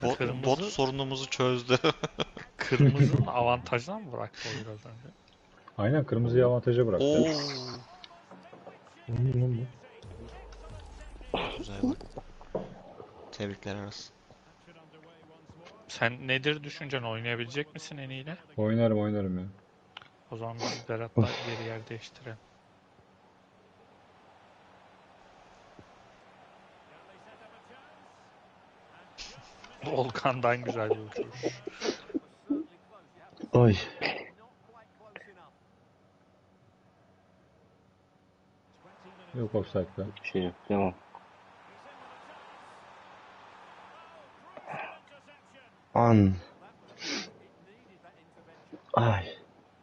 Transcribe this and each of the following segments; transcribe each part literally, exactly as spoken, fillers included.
Bot, bot Kırmızı sorunumuzu çözdü. kırmızının avantajına mı bıraktı o biraz önce? Aynen kırmızıyı avantaja bıraktı. Oo, Ne lan bu? güzel gol. Tebrikler Aras. Sen nedir düşüncen, oynayabilecek misin en iyiyle? Oynarım oynarım ya. O zaman biz Berat'la geri yer değiştirelim. Volkan'dan güzel bir uçuruş. Ay. Yok offside'da. Bir şey yok. Devam. An. Ay.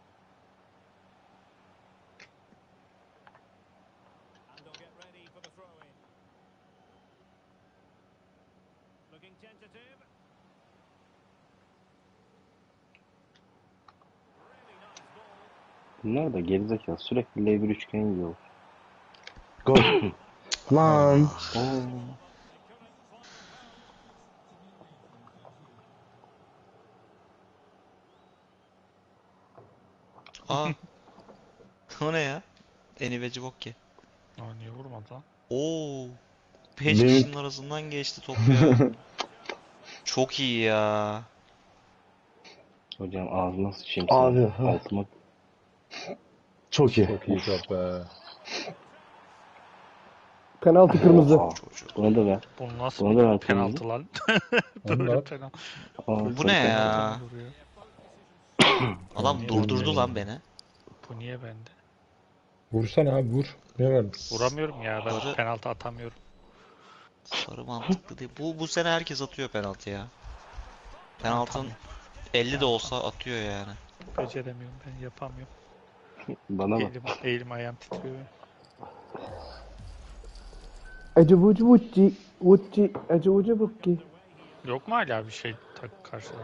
Bunlar da gerizekalı. Sürekli L bir üçgen yiyor. Gol. Lan. Oo. Aa, o ne ya? Eniveci bok ki. Aa, niye vurmadı lan? Oo, beş Benim kişinin arasından geçti top ya. Çok iyi ya. hocam ağzına sıçayım Abi, senin. ha. Altıma. Çok iyi. Çok iyi top be. Penaltı kırmızı. Aa, Çocuk. Buna da ver. Bu nasıl Buna da bir ver penaltı lan? Onu da Böyle at. penaltı. Aa, Bu sarı ne penaltı. ya? Vuruyor. Adam Niye durdurdu bende? lan beni. Bu niye bende? Vursana abi vur. Ne var? Vuramıyorum ya, ben Sarı, penaltı atamıyorum. sarı mantıklı değil. Bu, bu sene herkes atıyor penaltı ya. Penaltının Atamıyorum. elli de olsa atıyor yani. Beceremiyorum, ben yapamıyorum. Bana bak. Elim, elim ayağım titriyor. Ece vucu vucu. Vucu. Ece vucu vucu. Yok mu hala bir şey tak karşıda?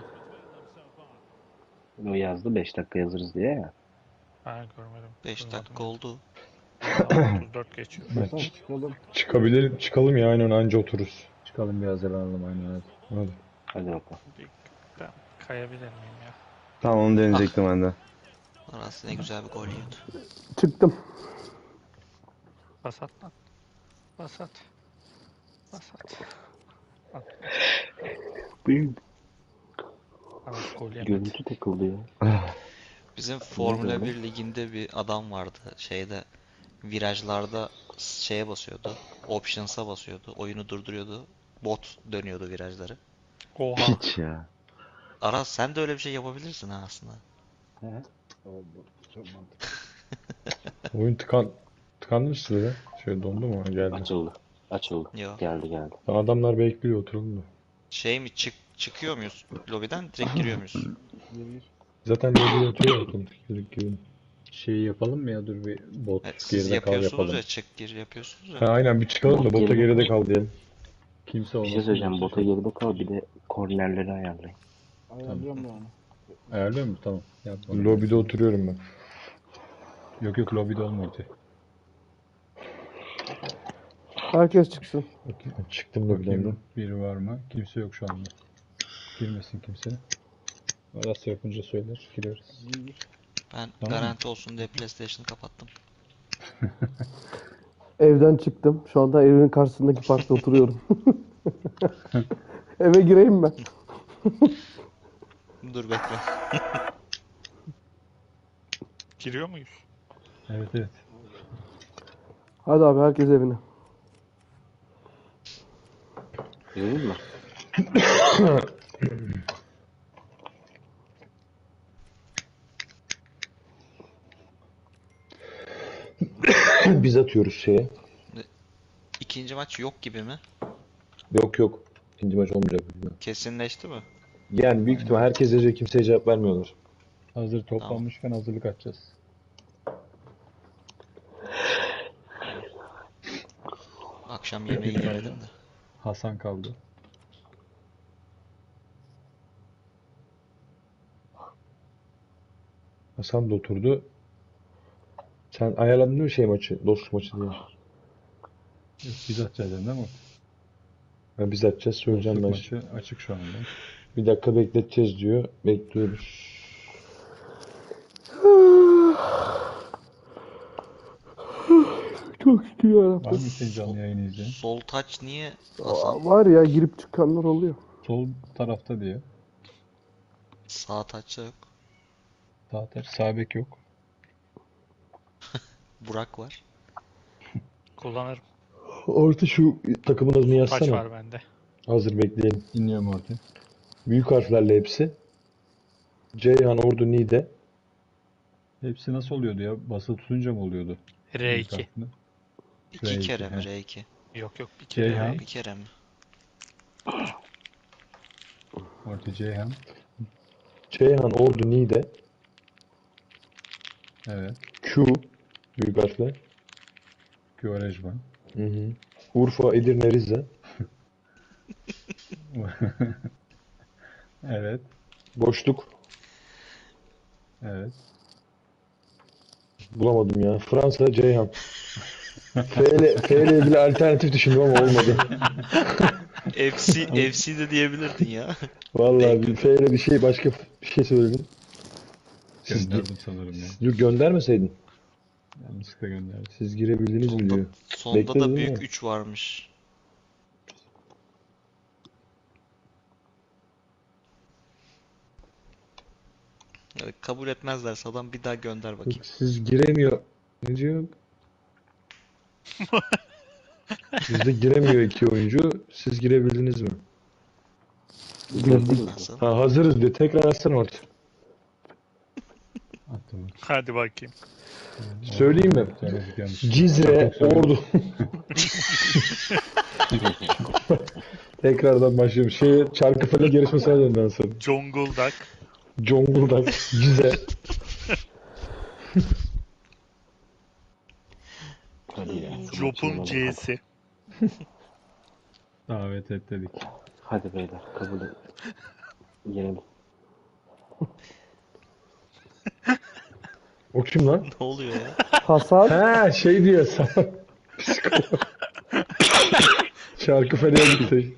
O yazdı beş dakika yazırız diye ya. Ha, görmedim. beş Duymadım dakika ben. oldu. Daha otuz dört geçiyor. Evet, çık- çıkabilir, çıkalım ya aynen anca otururuz. Çıkalım bir hazırlanalım aynen hadi. Hadi. Hadi bakalım. Bir, ben kayabilir miyim ya? Tamam onu deneyecektim ben de. Aras ne güzel bir gol yiyordu. Çıktım. Bas at lan. Bas at. Bas at. At. Benim Aras gol yemedi. görüntü takıldı ya. Bizim Ne Formula oldu? bir liginde bir adam vardı. Şeyde virajlarda şeye basıyordu. Options'a basıyordu. Oyunu durduruyordu. Bot dönüyordu virajları. Oha. Piç ya. Aras sen de öyle bir şey yapabilirsin ha aslında. He? Çok mantıklı. Oyun tıkan tıkanmıştı ya. Şöyle dondu mu? Ha, geldi. Açıldı. Açıldı. Yo. Geldi geldi. Adamlar bekliyor oturalım da. Şey mi çık çıkıyor muyuz lobiden direkt giriyor muyuz? Zaten lobiye oturuyor otomatik gibi. Şeyi yapalım mı ya dur bir bot Evet, siz geride kal yapıyorsunuz yapalım. ya çık gir yapıyorsunuz Ha, ya. aynen bir çıkalım da Bot bota geride geride kal. kal diyelim. Kimse Bir şey olmasın söyleyeceğim. yoksa Bota şey. geride kal. Bir de kornerleri ayarlayın. Tamam. Ayarlıyor mu? Tamam. Yapmadım. Lobide oturuyorum ben. Yok yok lobide olmadı. Herkes çıksın. Bakayım, çıktım lobiden de. Biri var mı? Kimse yok şu anda. Girmesin kimse. Arası yapınca söyler. Gireriz. Ben Tamam mı? garanti olsun diye PlayStation'ı kapattım. Evden çıktım. Şu anda evin karşısındaki parkta oturuyorum. Eve gireyim ben. Dur bekle. Giriyor muyuz? Evet evet. Hadi abi herkes evine. Görüyor musun? Biz atıyoruz şeye. İkinci maç yok gibi mi? Yok yok. İkinci maç olmayacak. Kesinleşti mi? Yani büyük ihtimal herkes yazıyor, kimseye cevap vermiyorlar. Hazır Tamam. toplanmışken hazırlık açacağız. Akşam yemeği yemedim de. Hasan kaldı. Hasan da oturdu. Sen ayarladın değil mi şey maçı? Dostluk maçı diye. Yok biz atacağız değil mi? Ha, biz açacağız söyleyeceğim Dostluk ben şimdi. maçı açık şu anda. Bir dakika bekleteceğiz diyor. Bekliyoruz. Çok şükür Var yarabbim. mı ikinci canlı yayını izleyen? Sol taç niye Aa, Hasan? var ya girip çıkanlar oluyor. Sol tarafta diye. Sağ taçta yok. Sağ taç, sağ bek yok. Burak var. Kullanırım. Orta şu takımın adını Taç yazsana. var bende. Hazır bekleyelim. Dinliyorum ortaya. Büyük harflerle hepsi. Ceyhan, Ordu, Niğde. Hepsi nasıl oluyordu ya? Basılı tutunca mı oluyordu? R Büyük iki. harfini. İki R iki, kere mi he. R iki? Yok yok bir kere Ceyhan. R Bir iki. kere mi? Orta Ceyhan. Ceyhan, Ordu, Niğde. Evet. Q. Büyük harfle. Quaresma. Hı hı. Urfa, Edirne, Rize. Evet. Boşluk. Evet. Bulamadım ya. Fransa, Ceyhan. F ile, F ile ilgili alternatif düşündüm ama olmadı. F C, F C de diyebilirdin ya. Vallahi bir F ile bir şey başka bir şey söyledim. Siz, Gönderdim sanırım ya. Yok, göndermeseydin. Yanlışlıkla gönderdim. Siz girebildiniz mi Sonda, diyor. sonda Bekledin da mi? büyük üç varmış. Evet, kabul etmezlerse adam bir daha gönder bakayım. Yok, siz giremiyor. Ne diyor? Bizde giremiyor iki oyuncu. Siz girebildiniz mi? Girdik. Nasıl? Ha, hazırız diyor. Tekrar açsana orta. Attım. Hadi bakayım. Söyleyeyim mi? Söyledik yanlış. Cizre, Çok söyledim. Ordu. Tekrardan başlıyorum. Şey, Çarkıfelek yarışmasına döndü en son. Zonguldak. Zonguldak, Cize. Hadi ya. şu Jop'un maçın C'si. Davet et dedik. Hadi beyler kabul et. Yenelim. O kim lan? Ne oluyor ya? Hasan. Ha, şey diyor sana. Psikolog. Çarkıfele'ye gitti.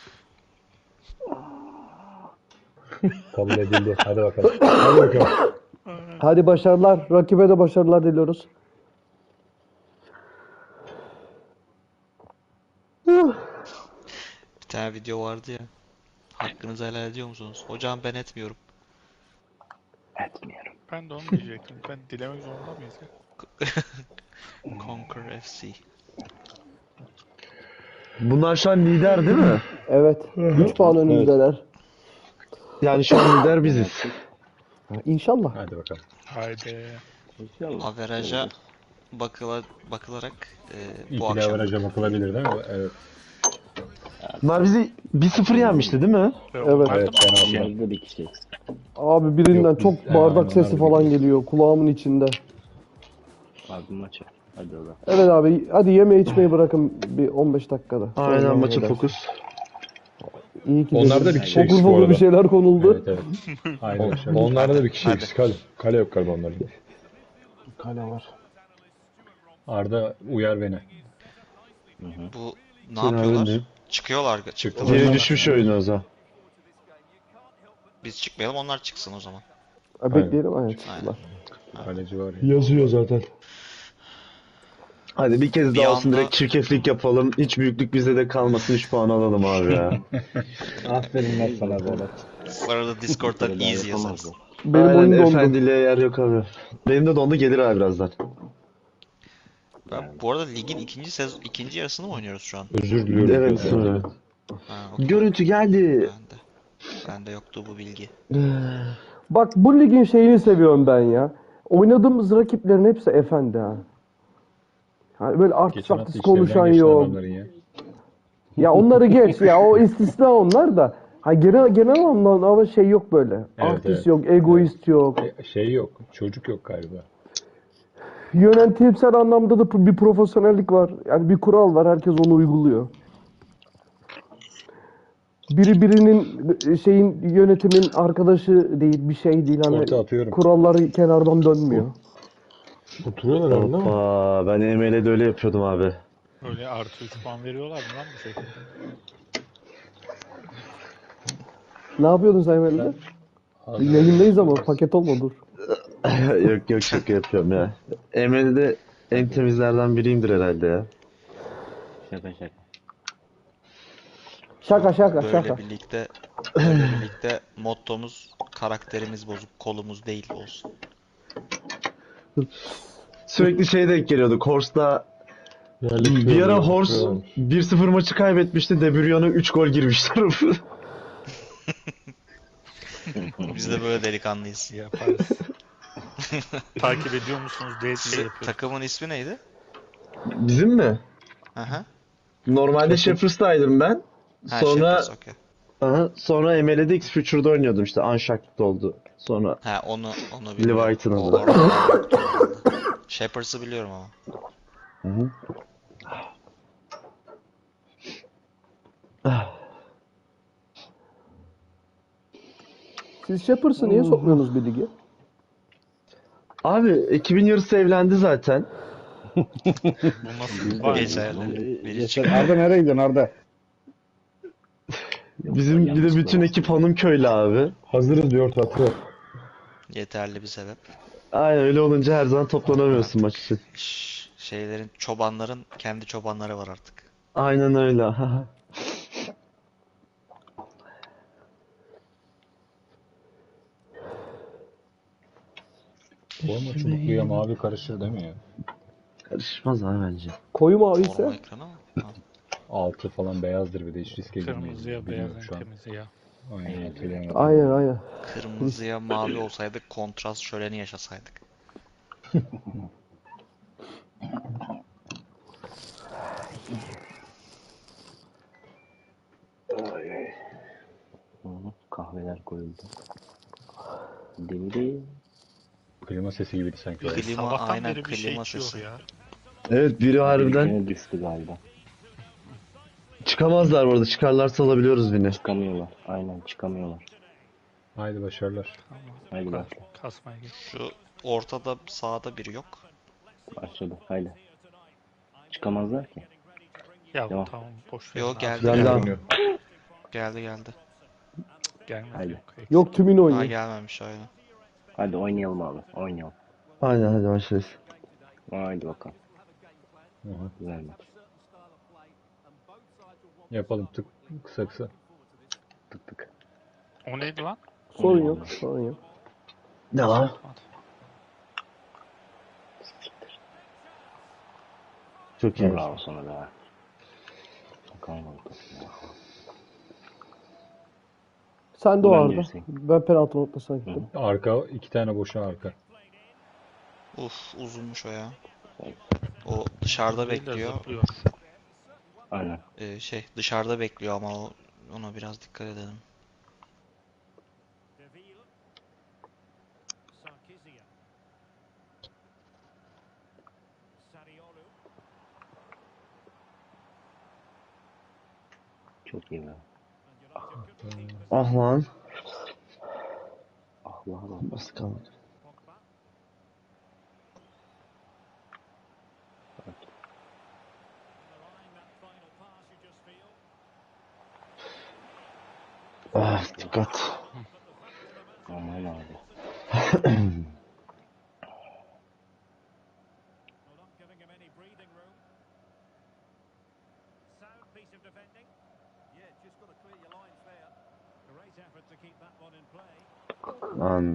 Kabul edildi. Hadi bakalım. Hadi bakalım. Hadi başarılar. Rakibe de başarılar diliyoruz. Bir tane video vardı ya. Hakkınızı helal ediyor musunuz? Hocam ben etmiyorum. Etmiyorum. Ben de onu diyecektim. Ben dilemek zorunda mıyız ya? Conquer F C. Bunlar şu an lider değil mi? Evet. üç puan önümüzdeler. Yani şu an lider biziz. İnşallah. Hadi bakalım. Haydi. İnşallah. Averaja bakıla, bakılarak e, bu İkili akşam averaja bakılabilir değil mi? Evet. Bunlar bizi bir sıfır yenmişti değil mi? Evet. Evet, fena olmaz. Bizde bir kişi eksik. Abi birinden Yok, biz- çok Ha, bardak onlar sesi da falan biliyoruz. geliyor kulağımın içinde. Abi maçı. Hadi ola. Evet abi hadi yeme içmeyi bırakın bir on beş dakikada. Aynen Sonra maça eder. fokus. İyi ki Onlarda dedim. bir kişi Fokur eksik bu fokur bir arada. şeyler konuldu. Evet evet. Aynen. On- şöyle. Onlarda da bir kişi Hadi. eksik. Hadi. Kale yok galiba onların. Kale var. Arda uyar beni. bu ne Seni yapıyorlar? öğrendim. Çıkıyorlar. Çıktılar. Geri düşmüş oyunu o zaman. Biz çıkmayalım onlar çıksın o zaman. Ha, bekleyelim aynen çıktılar. Kaleci var ya. Yazıyor zaten. Hadi bir kez Bir daha olsun anda- direkt çirkeflik yapalım. Hiç büyüklük bizde de kalmasın. üç puan alalım abi ya. Aferin lan sana Berat. Bu arada Discord'dan Böyle easy yapamazlar. yazarız. Benim Aynen oyun dondu. efendiliğe yer yok abi. Benim de dondu gelir abi birazdan. Ben, bu arada ligin ikinci sez ikinci yarısını mı oynuyoruz şu an? Özür diliyorum. Evet sonra. Ha, okey. Görüntü geldi. Bende. Bende yoktu bu bilgi. Bak bu ligin şeyini seviyorum ben ya. Oynadığımız rakiplerin hepsi efendi ha. Hani böyle artist Geçen hafta artist işlerinden konuşan geçti yok. adamların ya. Ya onları geç ya o istisna onlar da. Ha genel genel anlamda ama şey yok böyle. Artist evet. yok, egoist yok. E, Şey yok. Çocuk yok galiba. Yönetimsel anlamda da bir profesyonellik var. Yani bir kural var, herkes onu uyguluyor. Biri birinin şeyin yönetimin arkadaşı değil, bir şey değil. Hani Orta atıyorum. kuralları kenardan dönmüyor. Oturuyorlar orada ama. Hoppa ben E M L'de öyle yapıyordum abi. Öyle artı üç puan veriyorlar mı lan bu şekilde? Ne yapıyordun sen Emre'de? Yayındayız ama paket olma dur. Yok yok şaka yapıyorum ya. Emre de en temizlerden biriyimdir herhalde ya. Şaka şaka. Şaka şaka Böyle şaka. birlikte böyle birlikte mottomuz karakterimiz bozuk, kolumuz değil olsun. Sürekli şey denk geliyordu. Horse'da bir ara Horse bir sıfır maçı kaybetmişti. De Bruyne'a üç gol girmişler. Biz de böyle delikanlıyız. Yaparız. Takip ediyor musunuz diye şey Sizin yapıyorum. takımın ismi neydi? Bizim mi? Aha. Normalde Shepherds'taydım ben. Ha, Sonra Shepherds, okey. aha, sonra M L''de X Future'da oynuyordum işte. Unshacked oldu. Sonra Ha, onu onu biliyorum. Leviathan O oldu. orada yoktu herhalde. Shepherds'ı biliyorum ama. Hı hı. Siz Shepherds'ı niye sokmuyorsunuz bir lige? Abi ekibin yarısı evlendi zaten. Bu nasıl var? Geçerli. Biri Yeter. çıkıyor. Arda nereye gidiyorsun Arda? Bizim bir de bütün ekip hanım köylü abi. Hazırız diyor tatlı. Yeterli bir sebep. Aynen öyle olunca her zaman toplanamıyorsun maç için. Şş, şeylerin, çobanların kendi çobanları var artık. Aynen öyle. Forma çubukluya mavi karışır değil mi ya? Karışmaz abi bence. Koyu mavi Forma ise ekranı mı? Ha. Altı falan beyazdır bir de hiç riske girmeyiz. Kırmızıya Bilmiyorum beyaz şu en an. temizi ya. Aynen hatırlayamadım. aynen aynen. Kırmızıya mavi olsaydık kontrast şöleni yaşasaydık. Hı hı, kahveler koyuldu. Deli. Klima sesi gibiydi sanki. Klima, Sabahtan aynen beri bir şey klima içiyor sesi. ya. Evet biri harbiden Birine düştü galiba. çıkamazlar bu arada. Çıkarlarsa alabiliyoruz beni. Çıkamıyorlar. Aynen çıkamıyorlar. Haydi başarılar. Haydi Kas, başla. kasmaya git. Şu ortada sağda biri yok. Başladı. Haydi. Çıkamazlar ki. Ya Devam. tamam boş ver. Yo, abi. geldi Ben geldi. de Geldi geldi. Gelmedi Haydi. yok. eksik. yok tümünü Ha, oynuyor. gelmemiş aynen. Hadi oynayalım abi. Oynayalım. Aynen hadi başlayız. Haydi bakalım. Aha. Güzel maç. Yapalım tık kısa kısa. Tık tık. O neydi lan? Sorun yok, sorun yok. Ne var? Çok iyi. Bravo sana be. Bakalım oldu. Sen de o Ben Arda. girseyim. Ben penaltı noktasına gittim. Arka iki tane boşa arka. Uf, uzunmuş o ya. O dışarıda Değil de bekliyor. zıplıyor. Aynen. Ee, şey dışarıda bekliyor ama o, ona biraz dikkat edelim. Çok iyi be. Ah lan. Ah lan lan. Nasıl kaldı? Ah dikkat. Aman abi. Lan.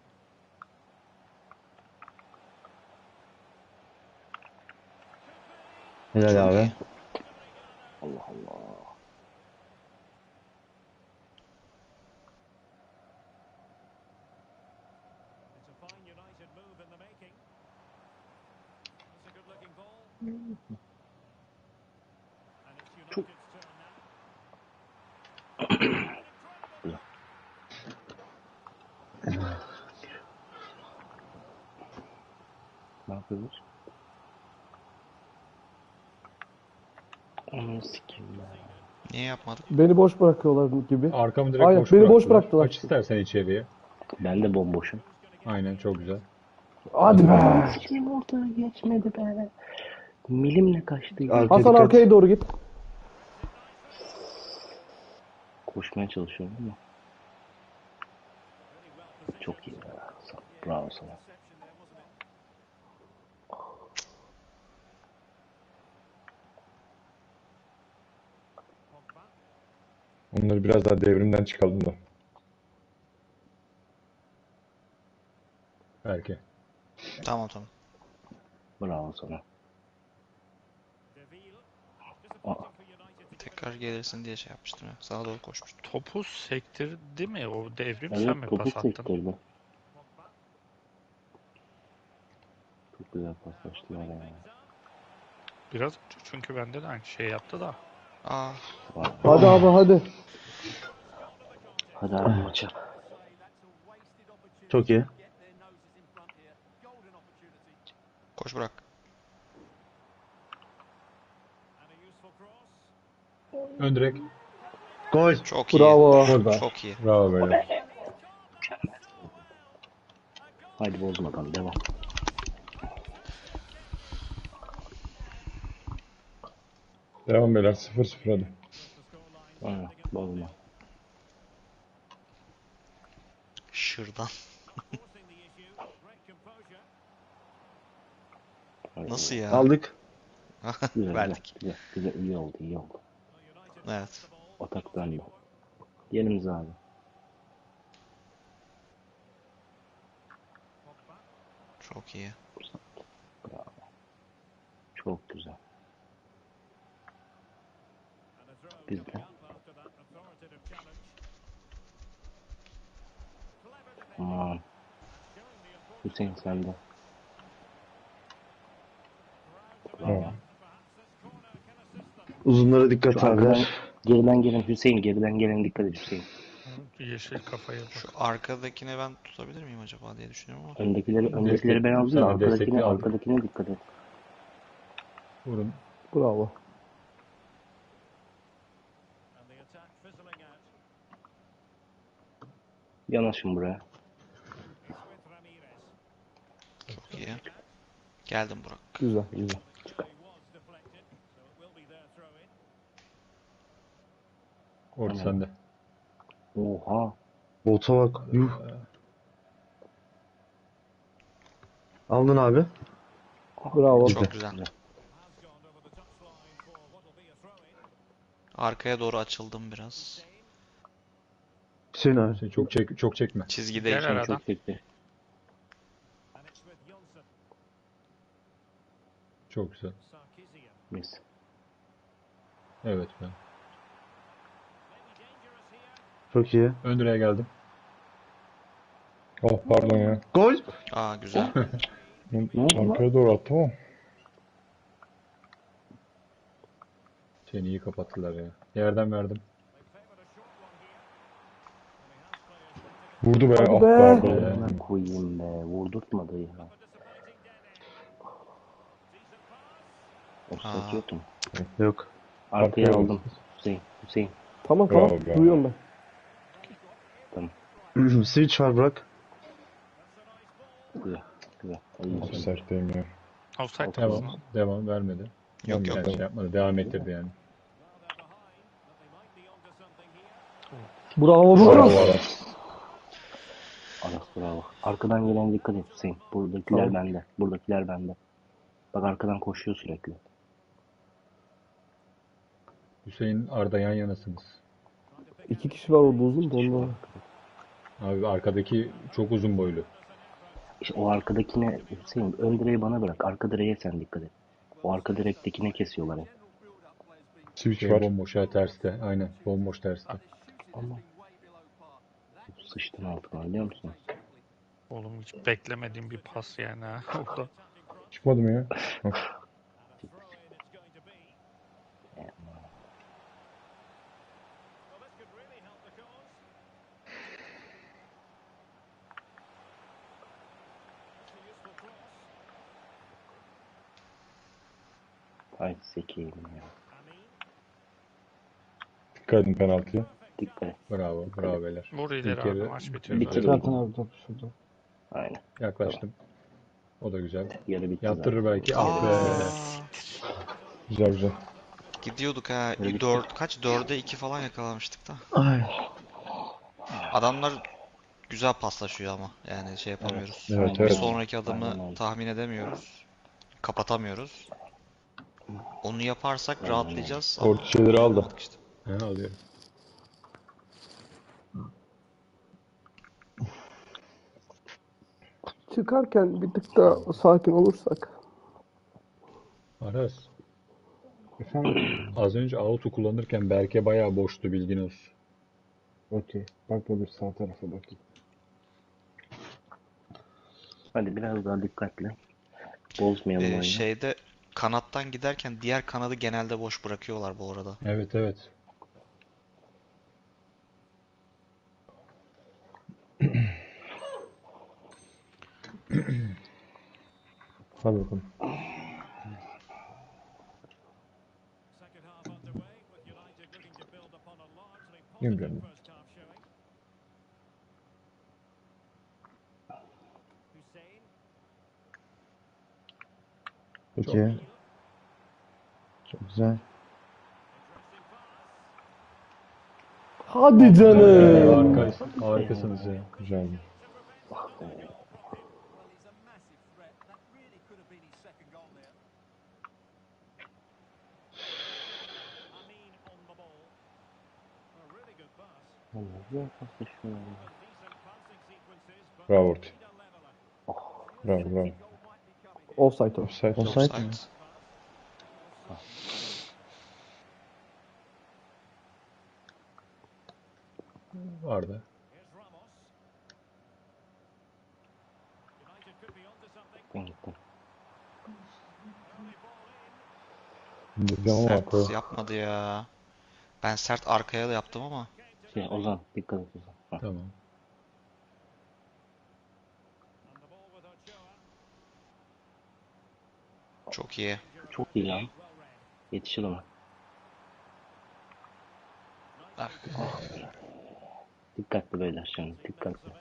Helal Çok abi. iyi. Allah Allah. Çok. Ne yapıyoruz? Onu sikeyim ben. Niye yapmadık? Beni boş bırakıyorlar gibi. Arkamı direkt Aynen, boş beni boş bıraktılar. bıraktılar. Aç istersen içeriye. Ben de bomboşum. Aynen çok güzel. Hadi be. Sikeyim ortaya geçmedi be. Milimle kaçtı. Arka Hasan dikkat. arkaya doğru git. Koşmaya çalışıyorum ama. Bravo sana. Onları biraz daha devrimden çıkalım da. Belki. Tamam tamam. Bravo sana. Aa, Tekrar gelirsin diye şey yapmıştım ya. Sana doğru koşmuştum. Topu sektirdi mi o devrim, sen evet mi topu pas attın? sektirdi. Çok güzel paslaştılar ya. Biraz önce çünkü bende de aynı şey yaptı da. Aa, Vay. Hadi abi hadi. Hadi abi maça. Çok iyi. koş bırak. Ön direk. Gol. Çok iyi. Bravo. Burada. Çok iyi. Bravo böyle. Haydi bozmadan devam. Devam beyler sıfır sıfır hadi. Aynen bozma. Şırdan. Haydi. Nasıl ya? Aldık. Güzel, Verdik. Güzel, güzel, iyi oldu, iyi oldu. Evet. Atak bende. Yerimiz abi. Çok iyi. Bravo. Çok güzel. Bizde. Aman. Hüseyin sende. Tamam. Uzunlara dikkat Şu arkadan, abiler. geriden gelen Hüseyin, geriden gelen dikkat et Hüseyin. Yeşil kafaya bak. Şu arkadakine ben tutabilir miyim acaba diye düşünüyorum ama. Öndekileri, öndekileri ben aldım da Sen de arkadakine, destekli aldın. arkadakine dikkat et. Vurun. Bravo. Yanaşın buraya. Çok iyi. Geldim Burak. Güzel güzel. Orta Tamam. sende. Oha. Bota bak. Yuh. Aldın abi. Bravo. Çok güzel. Arkaya doğru açıldım biraz. Hüseyin abi. Şey, çok çek çok çekme. Çizgideyim. Gel aradan. Çok çekti. Çok güzel. Mis. Evet ben. Çok iyi. Ön direğe geldim. Oh pardon ya. Gol. Aa güzel. Arkaya doğru attım ama. Seni iyi kapattılar ya. Yerden verdim. Vurdu be. Hadi Ah be. pardon. Ee, Ben koyayım be. Vurdurtmadı ya. Offside yok mu? Yok. Arkaya Arkaya aldım. Hüseyin. Hüseyin. Tamam tamam. Bravo, bravo. Duyuyorum ben. Switch var bırak. Güzel. Güzel. İyi. Offside'deyim ya. Offside Devam. mısın? Devam vermedi. Yok yok. Yani şey yapmadı. Devam ettirdi yani. Bravo Bravo Burak. Aras. Aras bravo. Arkadan gelen dikkat et Hüseyin. Buradakiler Tamam. bende. Buradakiler bende. Bak arkadan koşuyor sürekli. Hüseyin Arda yan yanasınız. İki kişi var orada uzun da ondan. Abi arkadaki çok uzun boylu. İşte o arkadakine Hüseyin ön direği bana bırak. Arka direğe sen dikkat et. O arka direktekine kesiyorlar hep. Switch Şey var. bomboş ha terste. Aynen bomboş terste. Ama sıçtın altına biliyor musun? Oğlum hiç beklemediğim bir pas yani ha. Orada. Çıkmadı mı ya? Hah. Ay sekeyim ya. Dikkat edin penaltıya. Dikkat et. Bravo. Bravo beyler. Vur İlk ileri abi, yarı maç bitiyor Bir zaten. kere- Zaten abi top şurada. Aynen. yaklaştım. O da güzel. Yarı bitti Yaptırır zaten. belki. Ah be. Aa, Güzel güzel. gidiyorduk ha. Böyle dört kaç? dörde iki falan yakalamıştık da. Ay. Adamlar güzel paslaşıyor ama. Yani şey yapamıyoruz. Evet, Aynen Bir evet. öyle. sonraki adımı Aynen öyle. tahmin edemiyoruz. Kapatamıyoruz. Onu yaparsak Aynen öyle. rahatlayacağız Orta ama şeyleri aldı. yapamadık işte. He alıyorum. Çıkarken bir tık da sakin olursak. Aras. Efendim az önce auto kullanırken Berke bayağı boştu bilgin olsun. Okey. Bak da bir sağ tarafa bakayım. Hadi biraz daha dikkatli. Bozmayalım Ee, oyunu. şeyde kanattan giderken diğer kanadı genelde boş bırakıyorlar bu arada. Evet evet. Hadi bakalım. Bilmiyorum. Peki. Çok güzel. Hadi canım. Harika, harikasınız ya. Güzeldi. Vallahi güzel paslaşıyor. Bravo Orti. Bravo bravo. Offside o. Offside. Offside. Offside. mi? Vardı. Ben gittim. Vuracağım ama Sert arkaya. yapmadı ya. Ben sert arkaya da yaptım ama. Şey, Ozan dikkat et Ozan. Ha. Tamam. Çok iyi. Çok iyi lan. Yetişir ona. Ah. Dikkatli beyler şimdi. Dikkatli.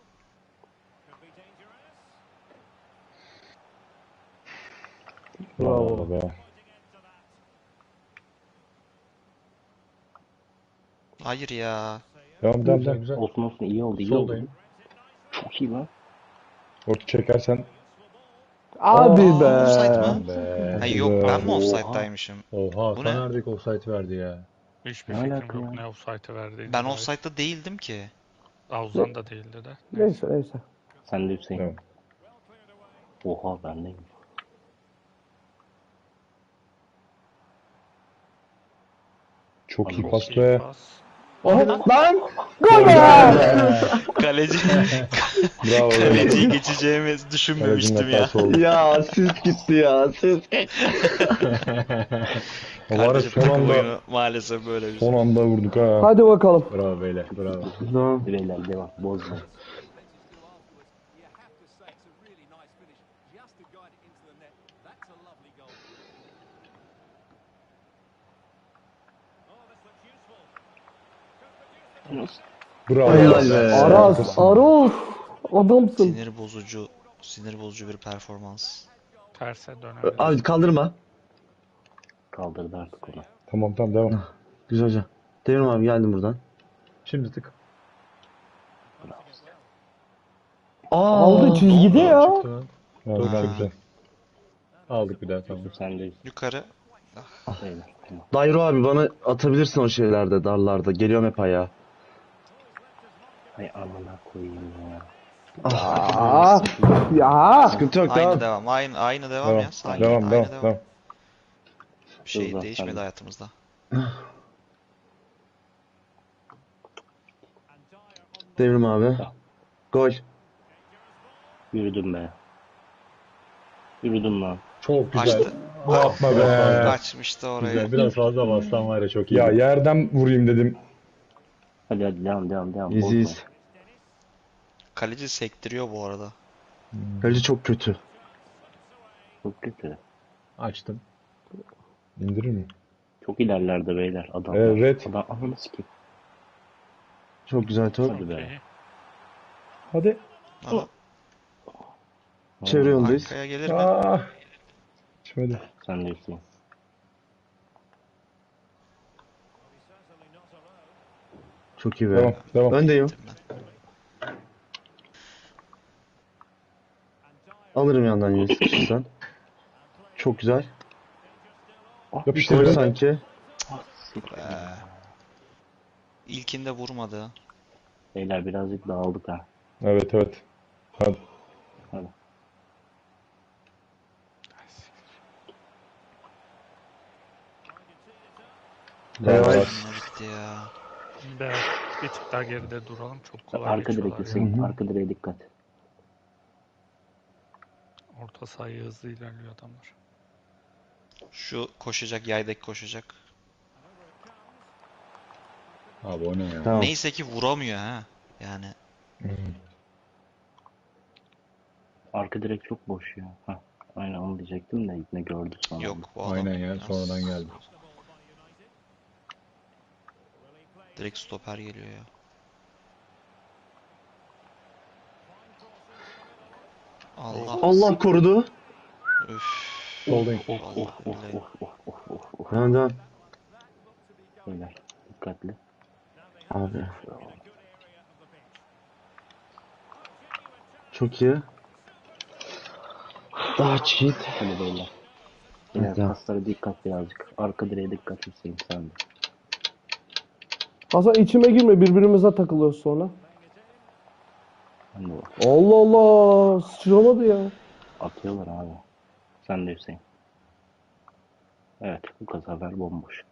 Bravo. Be. Hayır ya. Devam devam Güzel devam. güzel. Olsun olsun iyi oldu iyi oldu. Soldayım. Çok iyi lan. Orta çekersen. Hadi Aa, be. offside mı? Be. Hayır yok ben mi Oha. offside'daymışım? Oha Bu Hakan ne? Erdik offside verdi ya. Hiçbir Ne fikrim alaka yok ya? ne offside'ı verdiğini Ben dair. offside'da değildim ki. Avuzdan da değildi de. Neyse neyse. Sen de Hüseyin. Devam. Oha bendeyim. Çok iyi Çok pas İyi be. pas. Lan! Gol be! Kaleci Bravo. kaleciyi geçeceğimi düşünmemiştim Kalecinin ya. hatası oldu. Ya ses gitti ya. Ses. Ama var ya Kardeşim son takım anda oyunu maalesef böyle bir son şey. anda vurduk ha. Hadi bakalım. Bravo beyler. Bravo. Tamam. Beyler devam. Bozma. Bravo. Helal be. Aras, Aros. Adamsın. Sinir bozucu, sinir bozucu bir performans. Terse dönebilir. Abi kaldırma. Kaldırdı artık onu. Tamam tamam devam. Güzel hocam. Devrim abi geldim buradan. Şimdi tık. Aa. Aldı çizgide ya. Çıktı lan. Ha, Çok güzel Ha. güzel. Aldık bir daha tamam. Sen de Yukarı. beyler. Tamam. Dayro abi bana atabilirsin o şeylerde, darlarda. Geliyorum hep ayağa. Hay amına koyayım ya. Aa, ya. Sıkıntı yok Aynı tamam. devam. Aynı aynı devam Devam. ya. Sakin. Devam Aynı devam devam. devam. Bir şey Hızlı, değişmedi hadi. hayatımızda. Devrim abi. Gol. Yürüdüm be. Yürüdüm lan. Çok güzel. Açtı. Yapma be. Kaçmıştı oraya. Güzel. Biraz fazla bastan var ya çok iyi. Ya yerden vurayım dedim. Hadi hadi devam devam devam. İziyiz. Bozma. Kaleci sektiriyor bu arada. Kaleci çok kötü. Çok kötü. Açtım. İndirir mi? Çok ilerlerde beyler. Adam. Ee, red. Adam ananı sikeyim. Çok güzel top. Hadi be. İyi. Hadi. Aha, Çevre yoldayız. arkaya gelir mi? Ah. Şöyle. Sen de Hüseyin. Çok iyi be. Devam devam. Öndeyim. Ben. Alırım yandan yine sıkışırsan. Çok güzel. Yapıştır Gol be. sanki. Ee, İlkinde vurmadı. Beyler birazcık dağıldık ha. Evet evet. Hadi. Hadi. Evet. Ne bitti ya. Be, bir tık daha geride duralım. Çok kolay Arka geçiyorlar direk ya. Hüseyin. Arka direğe dikkat. Orta sahaya hızlı ilerliyor adamlar. Şu koşacak, yaydaki koşacak. Abi o ne ya? Tamam. Neyse ki vuramıyor ha. Yani Arka direk çok boş ya. Hah. Aynen onu diyecektim de ne gördü sonra. yok bu adam. Aynen ya biraz sonradan geldi. Direkt stoper geliyor ya. Allah. Allah korudu. Üf. Soldayım. Vallahi billahi. Devam devam. Beyler dikkatli. Abi. Çok iyi. Daha cheat. Hadi beyler. Beyler Tamam. paslara dikkat birazcık. Arka direğe dikkat Hüseyin sen de. Hasan içime girme, birbirimize takılıyoruz sonra. Ben de bak. Allah Allah, sıçramadı ya. Atıyorlar abi. Sen de Hüseyin. Evet bu sefer bomboş.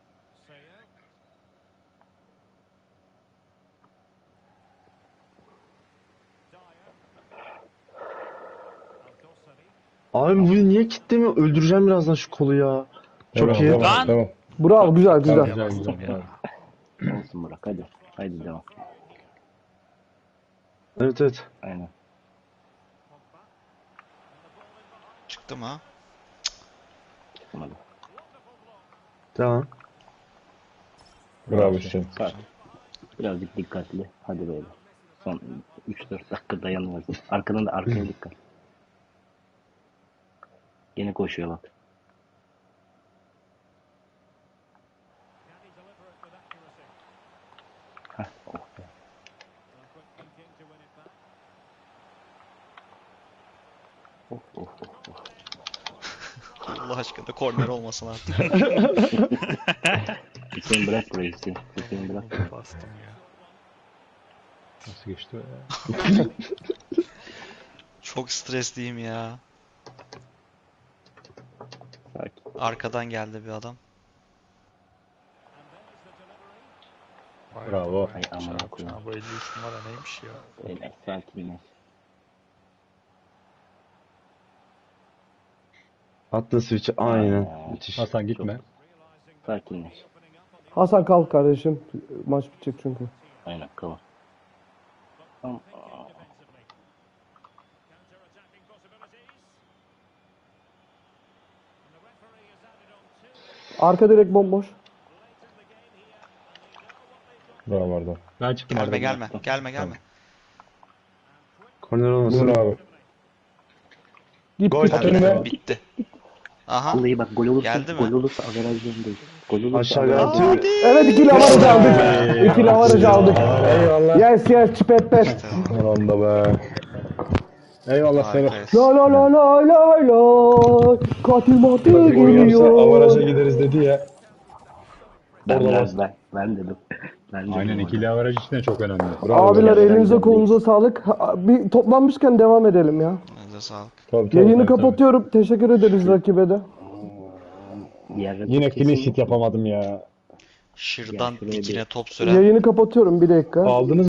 Abi bu niye kitlemiyor? Öldüreceğim birazdan şu kolu ya. Çok Devam, iyi. Devam, Lan! devam. Bravo, güzel güzel. Güzel bastım güzel. ya. Bravo. Olsun Burak hadi. Haydi devam. Evet evet. Aynen. Çıktı mı? Çıkmadı. Devam. Bravo Hüseyin. Sakin. Birazcık dikkatli. Hadi beyler. Son üç dört dakika dayanıyoruz. Arkadan da arkaya dikkat. Yine koşuyor bak. Heh, oh be. Oh, oh, oh, oh. Allah aşkına korner olmasın artık. Hüseyin bırak burayı Hüseyin. Hüseyin bırak burayı. Bastım ya. Nasıl geçti o ya? Çok stresliyim ya. Sakin. Arkadan geldi bir adam. Vay Bravo. be, Ay, aman çarp, okuyun. çarp. Bu elli üç numara neymiş ya? Beyler sakinleş. Atla switch'i aynen. Aa, Müthiş. Hasan gitme. Sakinleş. Hasan kalk kardeşim. Maç bitecek çünkü. Aynen kıvır. Tamam. Arka direkt bomboş. Bravo Arda. Ben çıktım Gelme arada. gelme. Gelme gelme. Korner olmasın. Bravo. Gitti. Gol. At önüme. Bitti. Aha. Vallahi bak gol olursa Geldi mi? gol olursa averajdan değil. Gol olursa Aşağıya averajdan atıyor. değil. Evet, ikili avaraj aldık. İkili avaraj aldık. Eyvallah. Yes yes çipetler. Sonunda be. Eyvallah seni. Harikayız. La la la la la la. Katil matil Gol yapsa avaraja geliyor. gideriz dedi ya. Ben, Orada ben, bas. ben, ben dedim. Ben dedim Aynen orada. ikili avaraj için de çok önemli. Bravo. Abiler Bravo. elinize kolunuza sağlık. Ha, Bir toplanmışken devam edelim ya. Elinize sağlık. Tabii, tabii. Yayını tabii. kapatıyorum. Teşekkür ederiz rakibe de. Diğer rakip Yine kesin clean yok. sheet yapamadım ya. Şırdan şuraya bir- dikine top süren Yayını kapatıyorum bir dakika. Aldınız